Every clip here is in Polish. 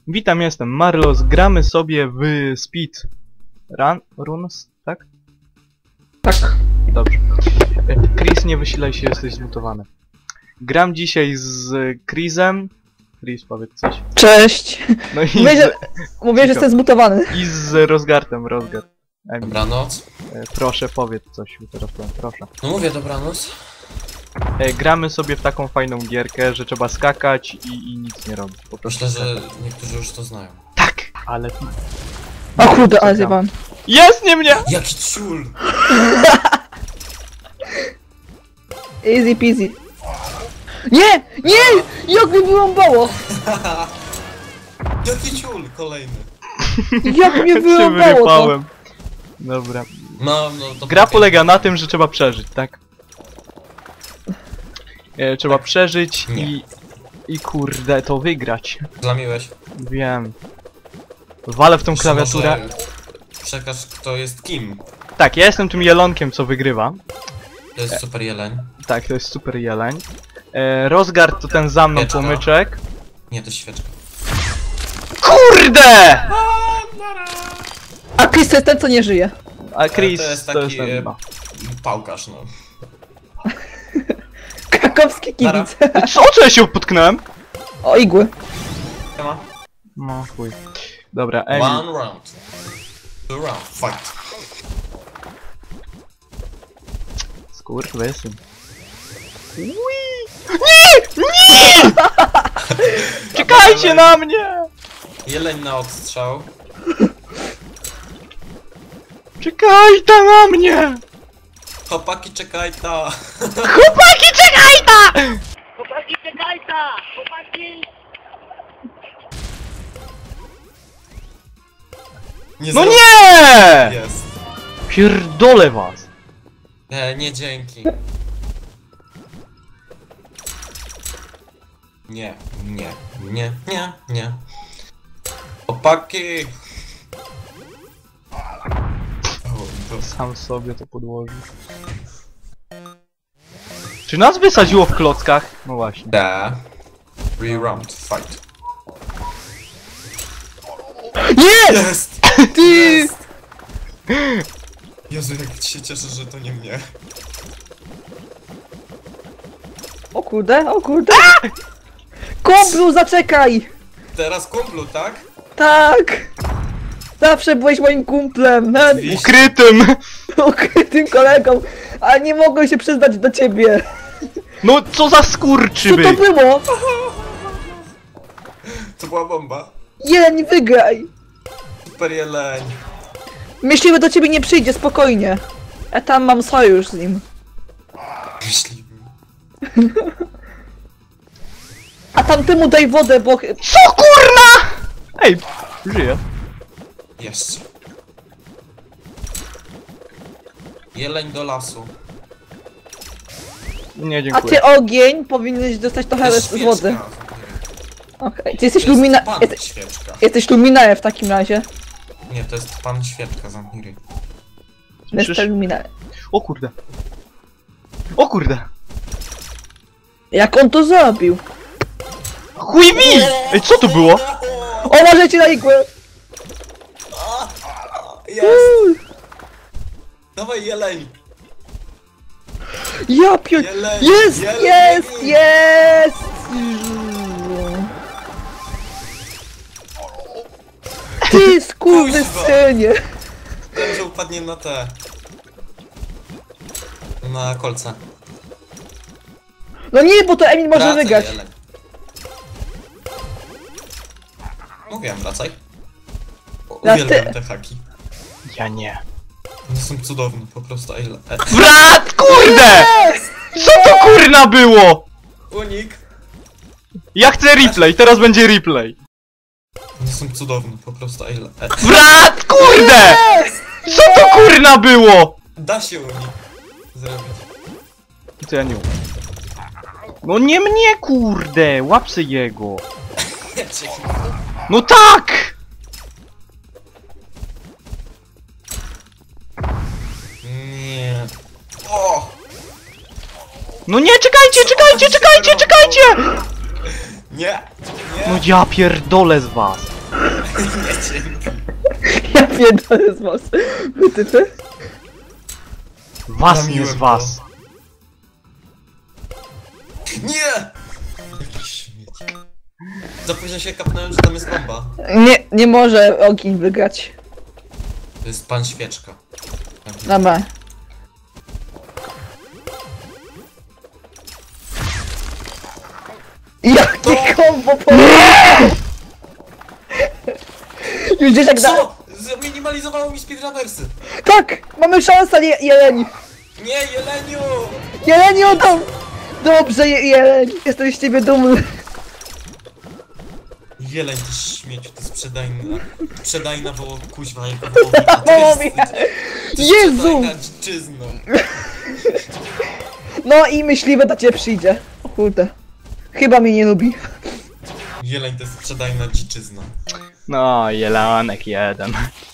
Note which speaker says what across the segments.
Speaker 1: Witam, jestem Marlos, gramy sobie w Speed Runs, tak?
Speaker 2: Tak.
Speaker 1: Dobrze. Chris, nie wysilaj się, jesteś zmutowany. Gram dzisiaj z Chrisem. Chris, powiedz coś.
Speaker 2: Cześć!
Speaker 1: No i
Speaker 2: Mówię, że jestem zmutowany.
Speaker 1: I z Rozgartem, Rozgard.
Speaker 3: Dobranoc.
Speaker 1: Proszę, powiedz coś, teraz powiem, proszę.
Speaker 3: No mówię dobranoc.
Speaker 1: Gramy sobie w taką fajną gierkę, że trzeba skakać i nic nie robić. Po prostu
Speaker 3: Myślę, że
Speaker 1: skakać.
Speaker 3: niektórzy już to znają.
Speaker 1: Tak! Ale...
Speaker 2: O kurde, ale zjebałem.
Speaker 1: Jest, nie mnie!
Speaker 3: Jaki ciul!
Speaker 2: Easy peasy. Nie! Nie! Jak mi wyrąbało!
Speaker 3: Jaki ciul! Kolejny.
Speaker 2: Jak mnie
Speaker 1: Się
Speaker 2: wyrąbało to!
Speaker 1: wyrypałem. Dobra.
Speaker 3: No to
Speaker 1: Gra polega na tym, że trzeba przeżyć, tak? Trzeba przeżyć
Speaker 3: Nie.
Speaker 1: i kurde, to wygrać.
Speaker 3: Zlamiłeś.
Speaker 1: Wiem. Walę w tą klawiaturę.
Speaker 3: Może przekaż kto jest kim.
Speaker 1: Tak, ja jestem tym jelonkiem, co wygrywa.
Speaker 3: To jest super jeleń.
Speaker 1: Tak, to jest super jeleń. Rozgard to ten za mną
Speaker 3: Świeczka.
Speaker 1: płomyczek.
Speaker 3: Nie, to jest świeczka.
Speaker 1: KURDE!
Speaker 2: A Chris to jest ten, co nie żyje.
Speaker 1: A Chris
Speaker 3: To jest
Speaker 1: to
Speaker 3: taki
Speaker 1: jest ten...
Speaker 3: pałkarz, no.
Speaker 2: Krakowski kibic.
Speaker 1: Co ja się potknąłem?
Speaker 2: O, igły.
Speaker 3: Siema.
Speaker 1: No chuj. Dobra, Emil.
Speaker 3: One round. Two round. Fight.
Speaker 1: Skurwysyn. Nie! Nie! Czekajcie na mnie!
Speaker 3: Jeleń na odstrzał.
Speaker 1: Czekaj ta na mnie!
Speaker 3: Chłopaki, czekaj ta.
Speaker 1: Chłopaki, czekaj ta!
Speaker 4: Chłopaki, czekaj ta! Chłopaki!
Speaker 3: Nie
Speaker 1: No
Speaker 3: zrobię.
Speaker 1: nie!
Speaker 3: Jest.
Speaker 1: Pierdolę was!
Speaker 3: Nie, dzięki. Nie. Chłopaki! O, to...
Speaker 1: Sam sobie to podłożył. Czy nas wysadziło w klockach? No właśnie.
Speaker 3: Da. Re-round, fight.
Speaker 2: Nie!
Speaker 3: Jest!
Speaker 2: Ty!
Speaker 3: Jest! Jezu, jak się cieszę, że to nie mnie.
Speaker 2: O kurde, o kurde. Kumplu, zaczekaj!
Speaker 3: Teraz kumplu, tak?
Speaker 2: Tak! Zawsze byłeś moim kumplem,
Speaker 1: Ukrytym!
Speaker 2: ukrytym kolegą, ale nie mogłem się przyznać do ciebie.
Speaker 1: No co za
Speaker 2: Co to
Speaker 1: skurczybyk!
Speaker 2: było?
Speaker 3: To była bomba.
Speaker 2: Jeleń, wygraj!
Speaker 3: Super jeleń.
Speaker 2: Myśliwy do ciebie nie przyjdzie, spokojnie. Ja tam mam sojusz z nim.
Speaker 3: Myśliwy.
Speaker 2: A tamtemu daj wodę, bo...
Speaker 1: Co kurna?! Ej, żyję.
Speaker 3: Jeszcze. Jeleń do lasu.
Speaker 1: Nie,
Speaker 2: A
Speaker 1: dziękuję.
Speaker 2: ty ogień powinieneś dostać
Speaker 3: To
Speaker 2: trochę
Speaker 3: jest
Speaker 2: z wody.
Speaker 3: świeczka.
Speaker 2: Okej, ty jesteś
Speaker 3: To jest
Speaker 2: lumina...
Speaker 3: pan
Speaker 2: Jesteś,
Speaker 3: świeczka.
Speaker 2: jesteś luminae w takim razie.
Speaker 3: Nie, to jest pan świeczka, zamknij ryj.
Speaker 1: Słyszysz?
Speaker 2: Jestem luminae.
Speaker 1: O kurde. O kurde.
Speaker 2: Jak on to zrobił?
Speaker 1: Chuj mi! Ej, co to było?
Speaker 2: O, możecie na igłę!
Speaker 3: Jest! Dawaj jeleń!
Speaker 2: Ja pier...
Speaker 3: Jeleń!
Speaker 2: Jest,
Speaker 3: jeleń,
Speaker 2: jest,
Speaker 3: jeleń.
Speaker 2: jest! Ty skurwysynie!
Speaker 3: Wiem, że upadnie na te... Na kolce.
Speaker 2: No nie, bo to Emil może
Speaker 3: Wracaj,
Speaker 2: wygrać.
Speaker 3: jeleń. Mówiłem, wracaj.
Speaker 2: Na
Speaker 3: Uwielbiam
Speaker 2: ty-
Speaker 3: te haki.
Speaker 1: Ja nie.
Speaker 3: One są cudowne, po prostu.
Speaker 1: Brat, kurde! Co to kurna było?
Speaker 3: Unik!
Speaker 1: Ja chcę replay, teraz będzie replay.
Speaker 3: One są cudowne, po prostu.
Speaker 1: Brat, kurde! Co to kurna było?
Speaker 3: Da się unik zrobić.
Speaker 1: To ja nie umiem. No nie mnie, kurde! Łapsy jego. No tak!
Speaker 3: Nie. O!
Speaker 1: No nie, czekajcie!
Speaker 3: Nie! Nie!
Speaker 1: No ja pierdolę z was.
Speaker 3: Nie, dzięki.
Speaker 2: Ja pierdolę z was. Wytypy?
Speaker 1: Was nie
Speaker 3: Zamiłem
Speaker 1: z was.
Speaker 3: Nie! Jakiś śmieć. Za późno się kapnąłem, że tam jest bomba.
Speaker 2: Nie może ogień wygrać.
Speaker 3: To jest pan świeczka.
Speaker 2: Dobra. Jakie kombo po... Już gdzieś jak da...
Speaker 3: Co? Zminimalizowało mi speedrunnersy.
Speaker 2: Tak! Mamy szansę, Jeleni!
Speaker 3: Nie, Jeleniu!
Speaker 2: Jeleni oddał! Dobrze, Jeleni! Jestem z ciebie dumny.
Speaker 3: Jeleń, ty śmieciu, to jest sprzedajna woło kuźwa jako wołowina.
Speaker 2: Wołowina. Jezu!
Speaker 3: Sprzedajna dziczyzną.
Speaker 2: No i myśliwy do ciebie przyjdzie. O kurde. Chyba mnie nie lubi.
Speaker 3: Jeleń to jest sprzedajna dziczyzna.
Speaker 1: No, jelanek jeden.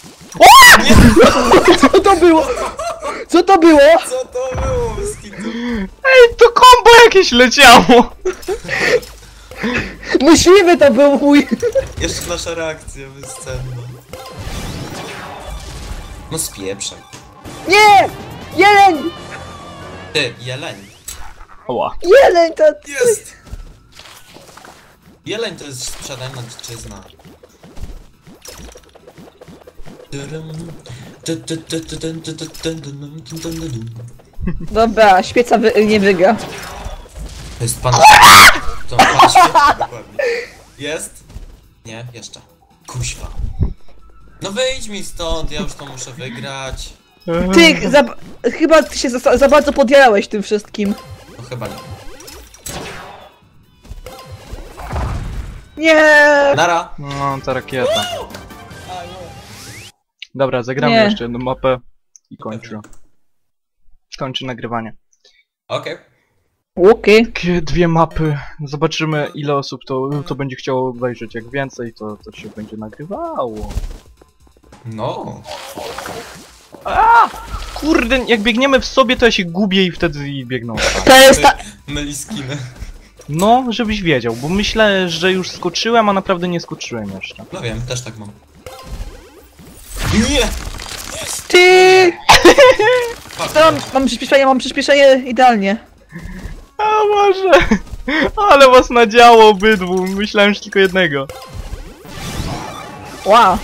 Speaker 2: Co to było? Co to było?
Speaker 3: Co to było, Skitu?
Speaker 1: Ej, to kombo jakieś leciało!
Speaker 2: Myśliwy to był mój.
Speaker 3: Jeszcze nasza reakcja bezcenna. No spieprzaj.
Speaker 2: Nie! Jeleń!
Speaker 3: Ty, Jeleń.
Speaker 1: Oła.
Speaker 2: Jeleń to...
Speaker 3: Jest! Jeleń to jest sprzedajna dziczyzna.
Speaker 2: Dobra, świeca nie wygra.
Speaker 3: To jest pan... To pan świetny, dokładnie. Jest? Nie, jeszcze. Kuźwa. No wyjdź mi stąd, ja już to muszę wygrać.
Speaker 2: Ty, chyba ty się za bardzo podjarałeś tym wszystkim.
Speaker 3: No chyba nie.
Speaker 2: Nie!
Speaker 3: Nara!
Speaker 1: No, ta rakieta. Dobra, zagramy
Speaker 2: Nie.
Speaker 1: jeszcze jedną mapę i kończę. Kończę nagrywanie.
Speaker 3: Okej.
Speaker 2: Okej.
Speaker 1: Takie dwie mapy. Zobaczymy ile osób to będzie chciało obejrzeć. Jak więcej, to się będzie nagrywało.
Speaker 3: No.
Speaker 1: Kurde, jak biegniemy w sobie, to ja się gubię i wtedy biegną.
Speaker 2: To jest ta...
Speaker 3: Myli skiny.
Speaker 1: No, żebyś wiedział, bo myślę, że już skoczyłem, a naprawdę nie skoczyłem jeszcze.
Speaker 3: No wiem, też tak mam. Nie!
Speaker 2: Ty!
Speaker 3: Fuck.
Speaker 2: Mam przyspieszenie idealnie.
Speaker 1: A może? Ale was nadziało obydwu, myślałem, że tylko jednego.
Speaker 2: Wow.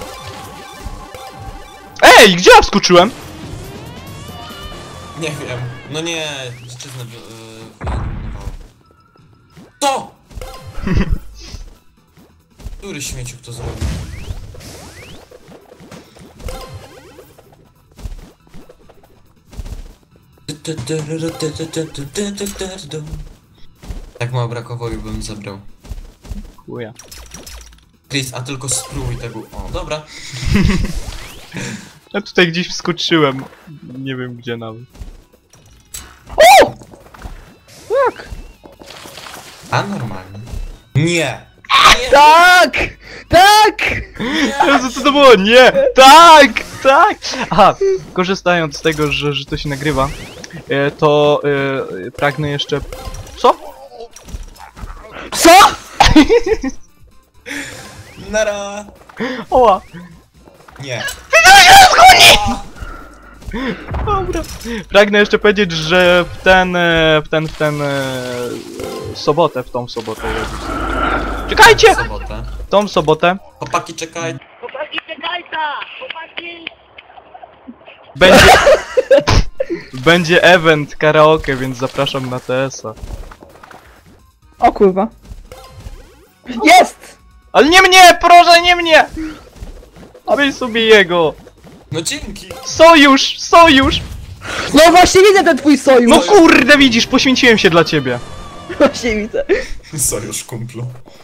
Speaker 1: Ej, gdzie ja wskoczyłem?
Speaker 3: Nie wiem. No nie, dziczyznę wyeliminowało. To! Który śmieciuk to zrobił? Tak mało brakowało i bym zabrał.
Speaker 1: Chuja.
Speaker 3: Chris, a tylko spróbuj tego. O, dobra.
Speaker 1: Ja tutaj gdzieś wskoczyłem. Nie wiem gdzie nawet.
Speaker 2: Tak!
Speaker 3: A normalnie. Nie! Nie!
Speaker 2: Tak! Tak!
Speaker 1: Jezu, co to było? Nie! Tak! Tak! Aha, korzystając z tego, że to się nagrywa, to pragnę jeszcze... Co?
Speaker 2: Co?
Speaker 3: Nara!
Speaker 1: Oła!
Speaker 3: Nie.
Speaker 1: Dobra. Pragnę jeszcze powiedzieć, że w tą sobotę Jezus. Czekajcie!
Speaker 3: Sobotę.
Speaker 1: Tą sobotę
Speaker 3: Chłopaki, czekaj.
Speaker 4: Chłopaki, czekajcie! Chłopaki!
Speaker 1: będzie event karaoke, więc zapraszam na TS-a.
Speaker 2: O kurwa. Jest!
Speaker 1: Ale nie mnie! Proszę, nie mnie! Weź sobie jego!
Speaker 3: No dzięki.
Speaker 1: Sojusz! Sojusz!
Speaker 2: No właśnie widzę ten twój sojusz!
Speaker 1: No kurde, widzisz, poświęciłem się dla ciebie.
Speaker 2: Właśnie widzę.
Speaker 3: Sojusz, kumplu.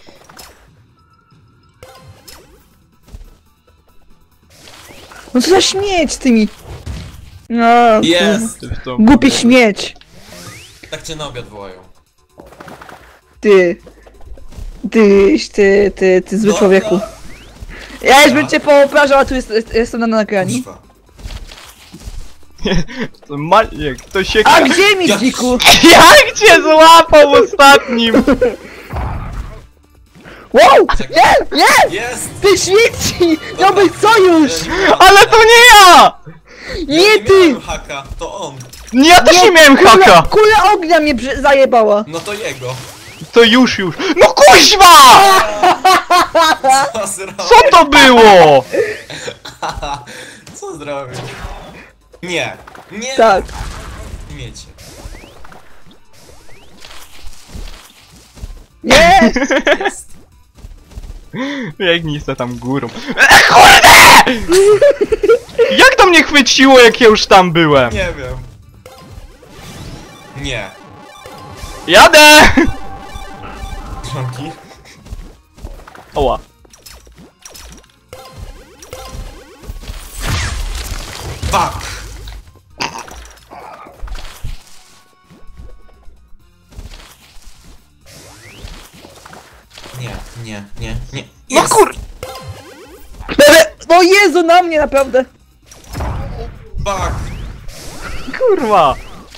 Speaker 2: No co za śmieć z tymi... No,
Speaker 3: Jest!
Speaker 2: głupi śmieć.
Speaker 3: Tak cię na obiad wołają.
Speaker 2: Ty, zły
Speaker 3: No,
Speaker 2: człowieku. Ja już bym cię pooprażał, a tu jestem na nagraniu.
Speaker 3: Kuźwa.
Speaker 1: To Maniek, to się...
Speaker 2: A gdzie mi,
Speaker 3: Jak-
Speaker 2: dziku?
Speaker 1: Jak cię złapał ostatnim?
Speaker 2: Wow!
Speaker 3: Czekaj.
Speaker 2: Nie! Nie!
Speaker 3: Jest!
Speaker 2: Ty śmieci! Miał być sojusz!
Speaker 1: Ale to nie ja!
Speaker 2: Nie ty!
Speaker 3: miałem haka, to on.
Speaker 1: Nie, ja też nie miałem haka!
Speaker 2: Kula ognia mnie zajebała!
Speaker 3: No to jego.
Speaker 1: To już. No kuźwa!
Speaker 3: Co zrobił?
Speaker 1: Co to było?
Speaker 3: Co zrobił? Nie. Nie.
Speaker 2: Tak.
Speaker 3: Miecie.
Speaker 2: Nie!
Speaker 3: Jest.
Speaker 1: Biegnij se tam górą. Kurde! Jak to mnie chwyciło, jak ja już tam byłem?
Speaker 3: Nie wiem. Nie.
Speaker 1: Jadę!
Speaker 3: Żonki?
Speaker 1: Oła.
Speaker 3: Fuck! Nie.
Speaker 1: No
Speaker 3: Jest.
Speaker 1: kur...
Speaker 2: No Jezu, na mnie naprawdę!
Speaker 3: Fuck!
Speaker 1: Kurwa.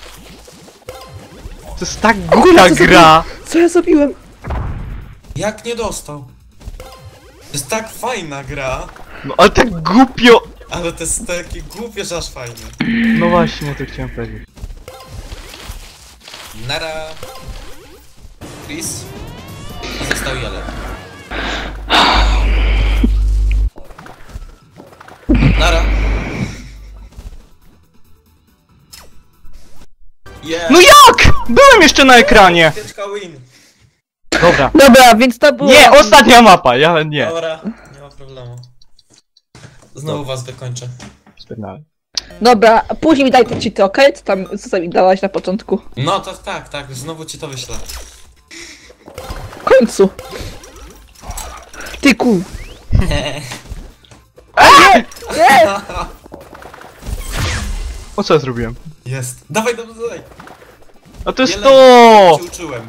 Speaker 1: To jest tak głupia gra.
Speaker 2: Co ja zrobiłem?
Speaker 3: Jak nie dostał? To jest tak fajna gra,
Speaker 1: No ale tak głupio...
Speaker 3: ale to jest takie głupie, że aż fajne.
Speaker 1: No właśnie, to chciałem powiedzieć.
Speaker 3: Nara. Chris. I został Jelen. Nara. Yeah.
Speaker 1: No jak? Byłem jeszcze na ekranie.
Speaker 3: Pieczka win.
Speaker 1: Dobra.
Speaker 2: Dobra, więc to było...
Speaker 1: Nie, ostatnia mapa, ja nie.
Speaker 3: Dobra, nie ma problemu. Znowu was wykończę.
Speaker 1: Spierdalaj.
Speaker 2: Dobra, później mi daj te cheaty, okej? Co mi dałaś na początku?
Speaker 3: No to tak, znowu ci to wyślę.
Speaker 2: W końcu. Ty ku... Nie!
Speaker 1: O co ja zrobiłem?
Speaker 3: Jest. Dawaj.
Speaker 1: A to jest
Speaker 3: Jelen,
Speaker 1: to!
Speaker 3: cię uczyłem.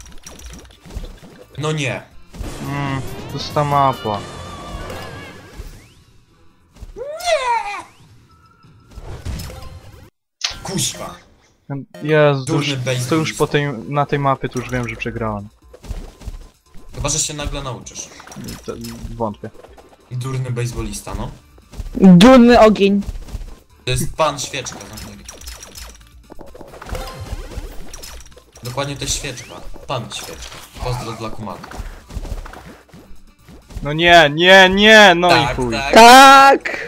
Speaker 3: No nie.
Speaker 1: To jest ta mapa.
Speaker 3: Kuźwa.
Speaker 1: Jezu,
Speaker 3: Durny
Speaker 1: to już
Speaker 3: baseball.
Speaker 1: na tej mapie to już wiem, że przegrałem.
Speaker 3: Chyba, że się nagle nauczysz.
Speaker 1: To, wątpię.
Speaker 3: Durny baseballista, no.
Speaker 2: Durny ogień.
Speaker 3: To jest pan świeczka z Ameryki. Dokładnie to jest świeczka. Pan świeczka. Pozdro dla Kumaka.
Speaker 1: No nie, no i
Speaker 3: Tak,
Speaker 1: chuj.
Speaker 3: tak.
Speaker 2: Tak!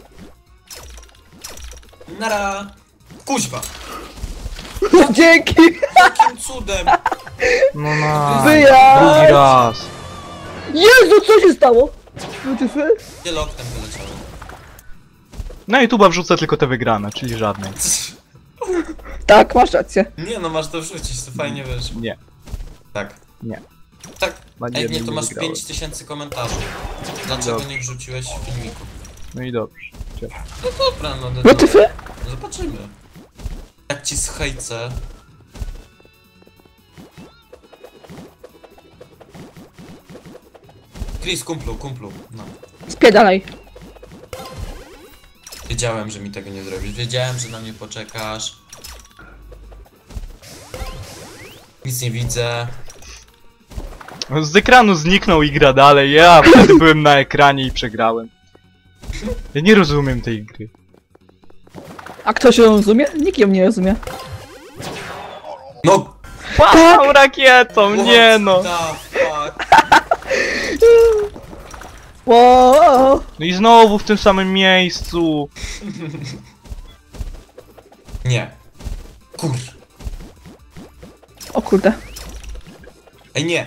Speaker 3: Nara. Kuźwa.
Speaker 2: Dzięki!
Speaker 3: Jakim cudem.
Speaker 1: No na.
Speaker 2: Wyjazd!
Speaker 1: Drugi raz.
Speaker 2: Jezu, co się stało? WTF?
Speaker 3: Wiele oknem wyleciało.
Speaker 1: Na YouTube'a wrzucę tylko te wygrane, czyli żadnej.
Speaker 2: Tak, masz rację.
Speaker 3: Nie no, masz to wrzucić, to fajnie wiesz.
Speaker 1: Nie.
Speaker 3: Tak.
Speaker 1: Nie.
Speaker 3: Tak.
Speaker 1: Na
Speaker 3: Jak nie,
Speaker 1: jednym
Speaker 3: to masz
Speaker 1: wygrałem.
Speaker 3: 5000 komentarzy. Dlaczego
Speaker 1: Dobrze.
Speaker 3: nie wrzuciłeś filmiku?
Speaker 1: No i dobrze. Cieszę.
Speaker 3: No dobra, no
Speaker 2: WTF?
Speaker 3: zobaczymy. Jak ci schejcę. Chris, kumplu, no.
Speaker 2: Spiedalaj.
Speaker 3: Wiedziałem, że mi tego nie zrobisz. Wiedziałem, że na mnie poczekasz. Nic nie widzę.
Speaker 1: Z ekranu zniknął i gra dalej. Ja wtedy byłem na ekranie i przegrałem. Ja nie rozumiem tej gry.
Speaker 2: A ktoś ją rozumie? Nikt ją nie rozumie.
Speaker 3: No!
Speaker 1: Pasał rakietą, nie no.
Speaker 3: What the fuck?
Speaker 2: Wow.
Speaker 1: No i znowu w tym samym miejscu.
Speaker 3: Nie. Kur...
Speaker 2: O kurde.
Speaker 3: Ej, nie!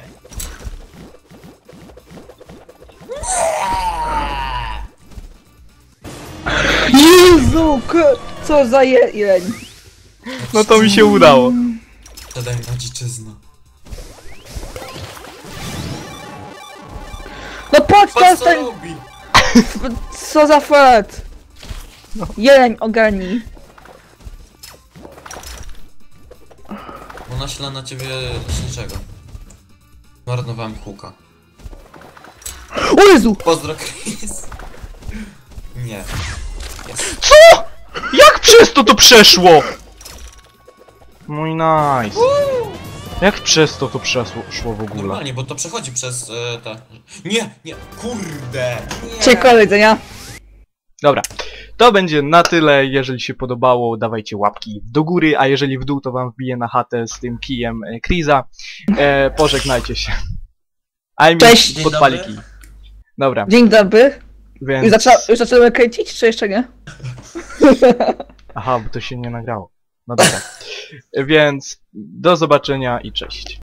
Speaker 2: Jezu, co za jeleń.
Speaker 1: No to mi się udało.
Speaker 3: Zadaj na dziczyznę.
Speaker 2: No patrz, to
Speaker 3: Patrz
Speaker 2: jest
Speaker 3: co
Speaker 2: ten...
Speaker 3: robi!
Speaker 2: Co za fart. Jeleń ogarnij.
Speaker 3: Bo naśla na ciebie leśniczego. Marnowałem huka.
Speaker 2: O Jezu!
Speaker 3: Pozdro, Chris. Nie. Jest.
Speaker 1: Co? Jak przez to przeszło? Mój nice. Jak przez to przeszło w ogóle?
Speaker 3: Normalnie, bo to przechodzi przez te... Nie, kurde! Nie.
Speaker 2: Ciekawe jedzenia.
Speaker 1: Dobra, to będzie na tyle. Jeżeli się podobało, dawajcie łapki do góry, a jeżeli w dół, to wam wbiję na chatę z tym kijem Kriza. Pożegnajcie się.
Speaker 2: Cześć.
Speaker 3: Dzień
Speaker 1: Podpali
Speaker 3: dobry.
Speaker 1: kij. Dobra,
Speaker 2: Dzień dobry.
Speaker 1: więc...
Speaker 2: Już zaczynamy kręcić, czy jeszcze nie?
Speaker 1: Aha, bo to się nie nagrało. No dobra. Więc do zobaczenia i cześć.